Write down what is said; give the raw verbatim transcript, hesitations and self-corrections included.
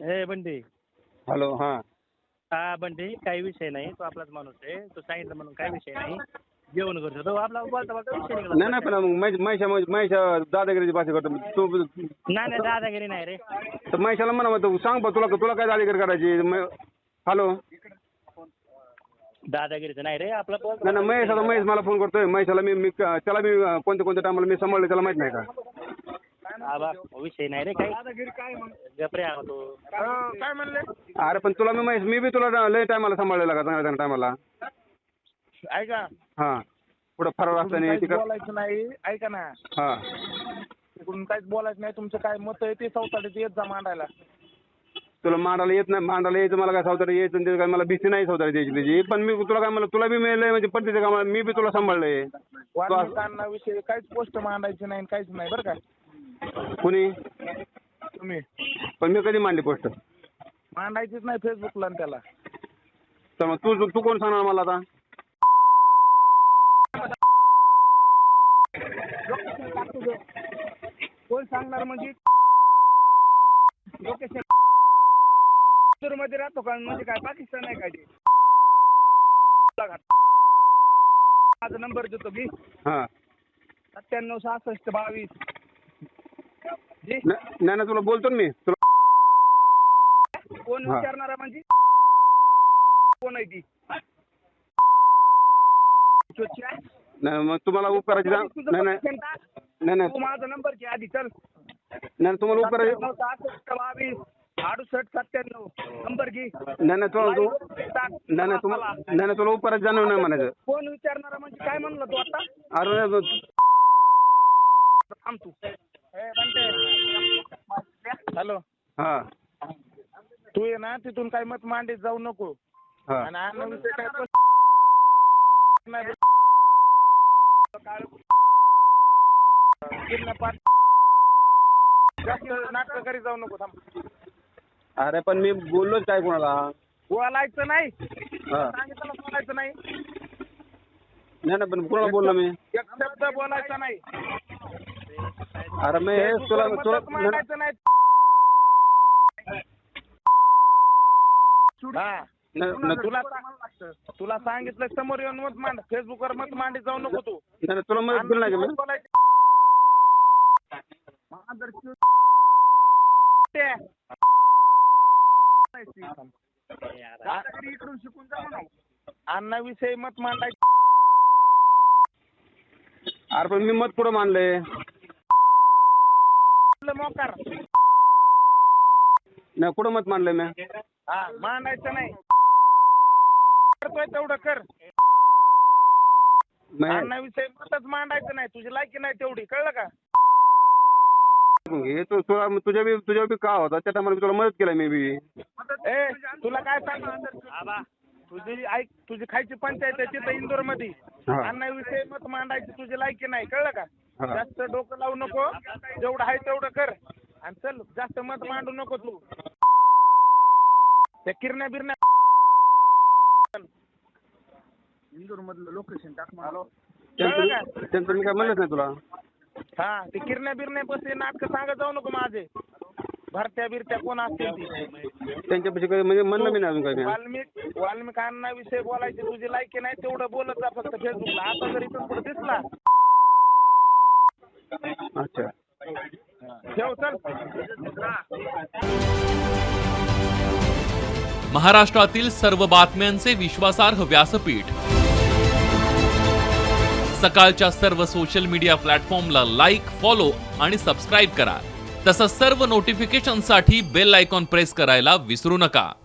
ए Bunty. Hello. हां हा बंटी, काही विषय नाही. तो आपलाच माणूस आहे. तो सांगितलं म्हणून काही विषय नाही. जेवण करतो तो आपला बोलता बोलता विषय निघाला. नाही नाही पण मग महेशा महेशा दादागिरीची भाषा करतो तू. नाही नाही दादागिरी नाही रे. तर महेशाला म्हणा मग सांग बा तुला तुला काय दादागिरी करायची. हॅलो. दादागिरीचं नाही रे आपला. नाही नाही महेश आता महेश मला फोन करतोय. महेशाला मी मी त्याला मी कोणत्या कोणत्या टायमाला मी सांभाळले त्याला माहित नाही का. आबा विषय नाही रे काही. दादागिरी काय गपरे आहो तो. काय म्हणले. अरे पण तुला मी महेश मी बी तुला लय टायमाला सांभाळलेला का चांगल्या टायमाला. ऐका. हां पुढं फरार असताना तिकडं बोलायचं नाही. ऐका ना. हां तिकडून काहीच बोलायचं नाही. तुमचं काय मत आहे ते चौथाडीत येत जा मांडायला. तुला मांडायला येत नाही. मांडायला यायचं मला काय सावतारी यायचं ते काय मला भीती नाही सावतारी द्यायची त्याची. पण मी तुला काय मला तुला बी मिळलंय म्हणजे पद्धती का मी बी तुला सांभाळलंय. विषयी काहीच पोस्ट मांडायची नाही काहीच नाही बरं का. कुणी तुम्ही. पण मी कधी मांडली पोस्ट. मांडायचीच नाही फेसबुकला त्याला. तर मग तू तू कोण सांगणार मला आता. कोण सांगणार म्हणजे लोकेशन मध्ये राहतो का म्हणजे काय पाकिस्तान आहे काय ते. माझा नंबर देतो मी. हां सत्त्याण्णव सहासष्ट बावीस. नाही नाही तुला बोलतो ना मी तुला. कोण विचारणारा म्हणजे कोण आहे ती. नाही मग तुम्हाला उपकाराची नाही नाही नाही नाही तू माझा नंबर घे आधी चल. नाही तुम्हाला उपकाराची सहासष्ट बावीस अडुसष्ट सत्त्याण्णव नंबर घे. नाही नाही तुला तू नाही नाही तुम्हाला नाही नाही तुला उपकाराची जाणीव नाही म्हणायचं. कोण विचारणारा म्हणजे काय म्हणलं तू आता. अरे थांब तू. हॅलो. हां तू ये ना तिथून काही मत मांडीत जाऊ नको. हां आणि अन्न विषय काय जास्त नाटक करी जाऊ नको. थांब. अरे पण मी बोललोच काय कोणाला. बोलायचं नाही. हां सांगितलं बोलायचं नाही. नाही नाही पण कोणाला बोललो मी. एक शब्द बोलायचा नाही. अरे मी तुला तुला मांडायचं नाही. तुला तुला सांगितलं समोर येऊन मत मांड. फेसबुकवर मत मांडी जाऊ नको तू. नाही तुला मदत केली नाही का मी. इकडून शिकून जा म्हणा. अन्नाविषयी मत मांडायचं. अरे पण मी मत कुठं मानलंय. मोकार नाही कुठं मत मानलंय मी. हा मांडायचं नाही. करतोय तेवढं कर. अन्नाविषयी मतच मांडायचं नाही. तुझी लायकी नाही तेवढी कळलं का. हे तू तुला तुझ्या बी तुझ्या बी का होता त्या टायमाला तुला मदत केली मी बी. ए तुला काय सांग. तुझी ऐक तुझी खायची पंचायत आहे तिथं इंदोर मध्ये. अन्नाविषयी मत मांडायची तुझी लायकी नाही कळलं का. जास्त डोकं लावू नको. जेवढं आहे तेवढं कर. आणि चल जास्त मत मांडू नको तू. त्या किरण्या बिरण्या इंदोर मधलं लोकेशन टाक. त्यांचं मी काय म्हणलंच नाही तुला. हा ते किरण्या बिरण्या बसले नाटक सांगत जाऊ नको माझे. भरत्या बिरत्या कोण असतील ती त्यांच्यापाशी काही म्हणजे म्हणलं मी नाही अजून काही. वाल्मिक वाल्मिकांना विषय बोलायची तुझी लायकी नाही तेवढं बोलत जा फक्त फेसबुकला. आता जर इथून पुढे दिसला. अच्छा ठेव चल. महाराष्ट्रातील सर्व बातम्यांचे विश्वासार्ह व्यासपीठ. सकाळच्या सर्व सोशल मीडिया प्लॅटफॉर्मला लाईक, फॉलो आणि सबस्क्राईब करा. तसंच सर्व नोटिफिकेशनसाठी बेल आयकॉन प्रेस करायला विसरू नका.